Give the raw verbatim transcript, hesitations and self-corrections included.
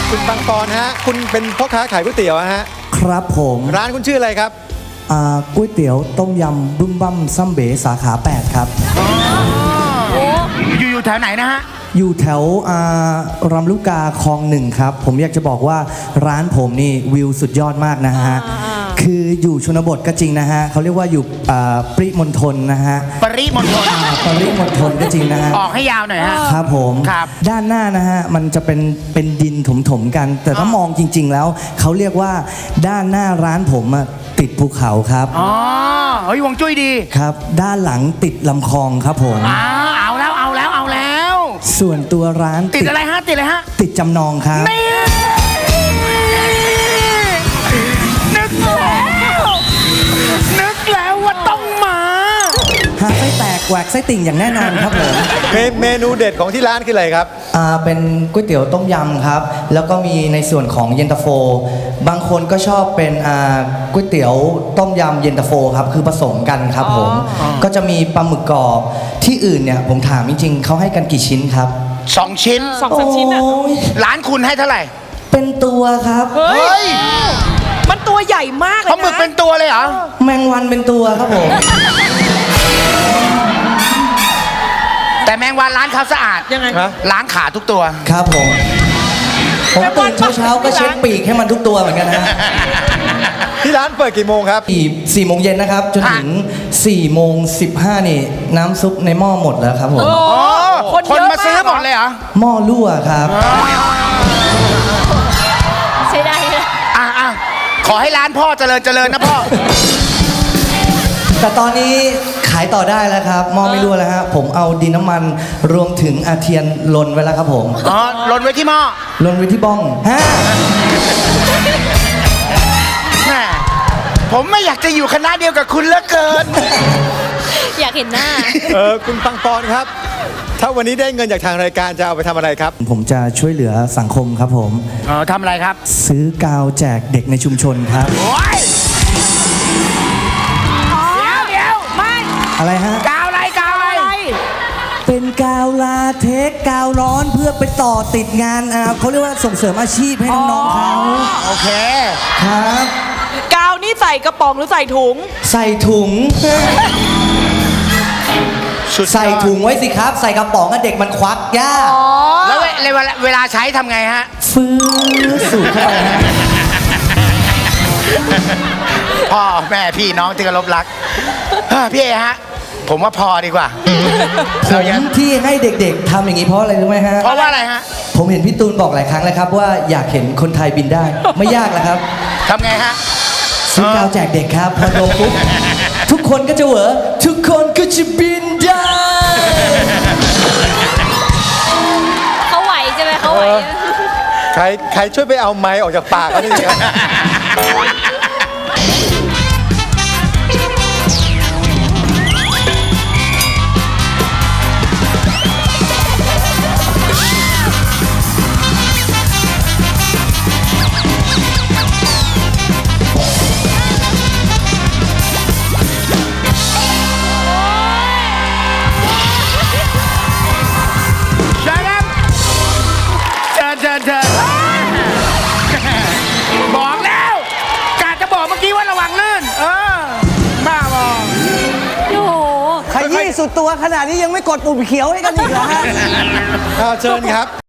คุณบางปอนฮะคุณเป็นพ่อค้าขายก๋วยเตี๋ยวฮะครับผมร้านคุณชื่ออะไรครับก๋วยเตี๋ยวต้มยำบึ้มบั้มซัมเบ๋สาขาแปดครับอยู่อยู่แถวไหนนะฮะอยู่แถวรำลูกกาคลองหนึ่งครับผมอยากจะบอกว่าร้านผมนี่วิวสุดยอดมากนะฮะคืออยู่ชนบทก็จริงนะฮะเขาเรียกว่าอยู่ปริมณฑลนะฮะปริมณฑลปริมณฑลก็จริงนะฮะออกให้ยาวหน่อยฮะครับผมด้านหน้านะฮะมันจะเป็นเป็นดินถมๆกันแต่ถ้ามองจริงๆแล้วเขาเรียกว่าด้านหน้าร้านผมติดภูเขาครับอ๋อเฮ้ยวงจุ้ยดีครับด้านหลังติดลำคลองครับผมอ้าวเอาแล้วเอาแล้วเอาแล้วส่วนตัวร้านติดอะไรฮะติดอะไรฮะติดจำนองครับนึกแล้วนึกแล้วว่าต้องมาหาไส้แตกแหวกไส้ติ่งอย่างแน่นอนครับผมเมนูเด็ดของที่ร้านคืออะไรครับอ่าเป็นก๋วยเตี๋ยวต้มยำครับแล้วก็มีในส่วนของเย็นตาโฟบางคนก็ชอบเป็นอ่าก๋วยเตี๋ยวต้มยำเย็นตาโฟครับคือผสมกันครับผมก็จะมีปลาหมึกกรอบที่อื่นเนี่ยผมถามจริงๆเขาให้กันกี่ชิ้นครับสองชิ้นสองสามชิ้นอะร้านคุณให้เท่าไหร่เป็นตัวครับเฮ้ยมันตัวใหญ่มากเลยนะปลาหมึกเป็นตัวเลยเหรอแมงวันเป็นตัวครับผมแต่แมงวันร้านเขาสะอาดยังไงล้างขาทุกตัวครับผมผมตื่นเช้าๆก็เช็ดปีกให้มันทุกตัวเหมือนกันนะที่ร้านเปิดกี่โมงครับสี่โมงเย็นนะครับจนถึงสี่โมงสิบห้านี่น้ำซุปในหม้อหมดแล้วครับผมคนมาซื้อหมดเลยเหรอหม้อรั่วครับใช่ได้เลยอ่ะอ่ะขอให้ร้านพ่อเจริญเจริญนะพ่อแต่ตอนนี้ขายต่อได้แล้วครับหม้อไม่รั่วแล้วฮะผมเอาดินน้ำมันรวมถึงอาเทียนลนไว้แล้วครับผมอ๋อลนไว้ที่หม้อลนไว้ที่บ้องฮะผมไม่อยากจะอยู่คณะเดียวกับคุณเหลือเกินอยากเห็นหน้าเออคุณปังปอนครับถ้าวันนี้ได้เงินจากทางรายการจะเอาไปทำอะไรครับผมจะช่วยเหลือสังคมครับผมอ๋อทำอะไรครับซื้อกาวแจกเด็กในชุมชนครับโอ้ยเดี๋ยวเดี๋ยวไม่อะไรฮะกาวอะไรกาวอะไรเป็นกาวลาเทคกาวร้อนเพื่อไปต่อติดงานอ่าเขาเรียกว่าส่งเสริมอาชีพให้น้องๆเขาโอเคครับกาวนี่ใส่กระป๋องหรือใส่ถุงใส่ถุงใส่ถุงไว้สิครับใส่กระป๋องเด็กมันควักยากแล้วเวลาเวลาใช้ทำไงฮะฟื้นสูดเข้าไปฮะพ่อแม่พี่น้องที่เคารพรักพี่เอฮะผมว่าพอดีกว่าผมที่ให้เด็กๆทำอย่างนี้เพราะอะไรรู้ไหมฮะเพราะว่าอะไรฮะผมเห็นพี่ตูนบอกหลายครั้งแล้วครับว่าอยากเห็นคนไทยบินได้ไม่ยากแล้วครับทำไงฮะซื้อกาวแจกเด็กครับพอลงปุ๊บทุกคนก็จะเหวอทุกคนก็จะบินได้เขาไหวใช่ไหมเขาไหวใครใครช่วยไปเอาไม้ออกจากปากเขาทีครับบอกแล้วกาจะบอกเมื่อกี้ว่าระวังลื่นเออบ้าบอโอ้โหขยี้สุดตัวขนาดนี้ยังไม่กดปุ่มเขียวให้กันอีกเหรอฮะเชิญครับ